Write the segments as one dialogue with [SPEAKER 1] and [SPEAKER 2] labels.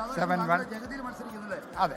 [SPEAKER 1] 7-1. അതെ,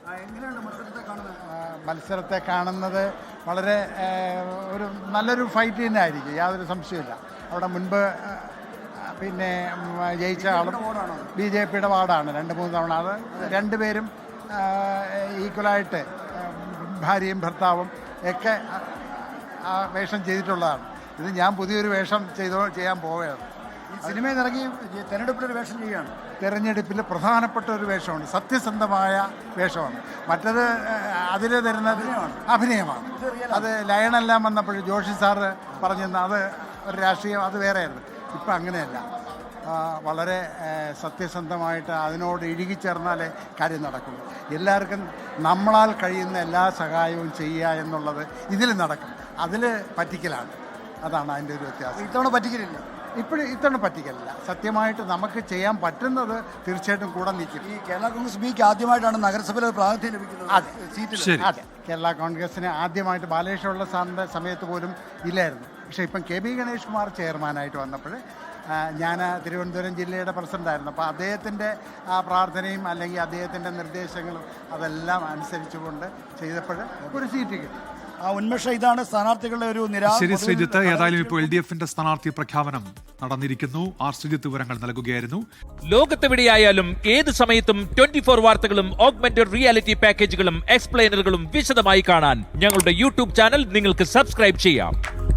[SPEAKER 1] മത്സരത്തെ കാണുന്നത് വളരെ നല്ലൊരു ഫൈറ്റ് തന്നെ ആയിരിക്കും, യാതൊരു സംശയമില്ല. അവിടെ മുൻപ് പിന്നെ ജയിച്ച ആളും BJPയുടെ വാർഡാണ് 2-3 തവണ. അത് രണ്ടുപേരും ഈക്വലായിട്ട് ഭാര്യയും ഭർത്താവും ഒക്കെ ആ വേഷം ചെയ്തിട്ടുള്ളതാണ്. ഇത് ഞാൻ പുതിയൊരു വേഷം ചെയ്യാൻ പോവുകയാണ്.
[SPEAKER 2] സിനിമയിൽ ഇറങ്ങി തെരഞ്ഞെടുപ്പിലൊരു വേഷം ചെയ്യുകയാണ്.
[SPEAKER 1] തെരഞ്ഞെടുപ്പിൽ പ്രധാനപ്പെട്ട ഒരു വേഷമാണ്, സത്യസന്ധമായ വേഷമാണ്. മറ്റത് അതിൽ തരുന്നത് അഭിനയമാണ്. അത് ലയണെല്ലാം വന്നപ്പോൾ ജോഷി സാറ് പറഞ്ഞിരുന്ന അത് ഒരു രാഷ്ട്രീയം, അത് വേറെയായിരുന്നു. ഇപ്പം അങ്ങനെയല്ല, വളരെ സത്യസന്ധമായിട്ട് അതിനോട് ഇഴുകിച്ചേർന്നാലേ കാര്യം നടക്കുള്ളൂ. എല്ലാവർക്കും നമ്മളാൽ കഴിയുന്ന എല്ലാ സഹായവും ചെയ്യുക എന്നുള്ളത് ഇതിൽ നടക്കും. അതിൽ പറ്റിക്കലാണ്, അതാണ് അതിൻ്റെ ഒരു വ്യത്യാസം.
[SPEAKER 2] ഇത്തവണ പറ്റിക്കലില്ല,
[SPEAKER 1] ഇത്തവണ പറ്റിക്കലില്ല. സത്യമായിട്ട് നമുക്ക് ചെയ്യാൻ പറ്റുന്നത് തീർച്ചയായിട്ടും കൂടെ നിൽക്കും.
[SPEAKER 2] ഈ കേരള കോൺഗ്രസ് ബിക്ക് ആദ്യമായിട്ടാണ് നഗരസഭയിൽ പ്രാതിനിധ്യം ലഭിക്കുന്നത്.
[SPEAKER 1] അതെ, കേരള കോൺഗ്രസിന് ആദ്യമായിട്ട് ബാലകൃഷ്ണപിള്ള സാറിൻ്റെ സമയത്ത് പോലും ഇല്ലായിരുന്നു. പക്ഷേ ഇപ്പം KB ഗണേഷ് കുമാർ ചെയർമാനായിട്ട് വന്നപ്പോൾ ഞാൻ തിരുവനന്തപുരം ജില്ലയുടെ പ്രസിഡൻ്റായിരുന്നു. അപ്പോൾ അദ്ദേഹത്തിൻ്റെ ആ പ്രാർത്ഥനയും അല്ലെങ്കിൽ അദ്ദേഹത്തിൻ്റെ നിർദ്ദേശങ്ങളും അതെല്ലാം അനുസരിച്ചുകൊണ്ട് ചെയ്തപ്പോൾ ഒരു സീറ്റ് കിട്ടി.
[SPEAKER 2] ആ ഉന്മേഷം ഇതാണ് സ്ഥാനാർത്ഥികളുടെ ഒരു
[SPEAKER 3] ശരി ശ്രീജിത്ത്, ഏതായാലും ഇപ്പോൾ LDFന്റെ സ്ഥാനാർത്ഥി പ്രഖ്യാപനം നടന്നിരിക്കുന്നു. ശ്രീജിത്ത് വിവരങ്ങൾ നൽകുകയായിരുന്നു.
[SPEAKER 4] ലോകത്തെവിടെയായാലും ഏത് സമയത്തും 24 വാർത്തകളും ഓഗ്മെന്റഡ് റിയാലിറ്റി പാക്കേജുകളും എക്സ്പ്ലെയിനറുകളും വിശദമായി കാണാൻ ഞങ്ങളുടെ YouTube ചാനൽ നിങ്ങൾക്ക് സബ്സ്ക്രൈബ് ചെയ്യാം.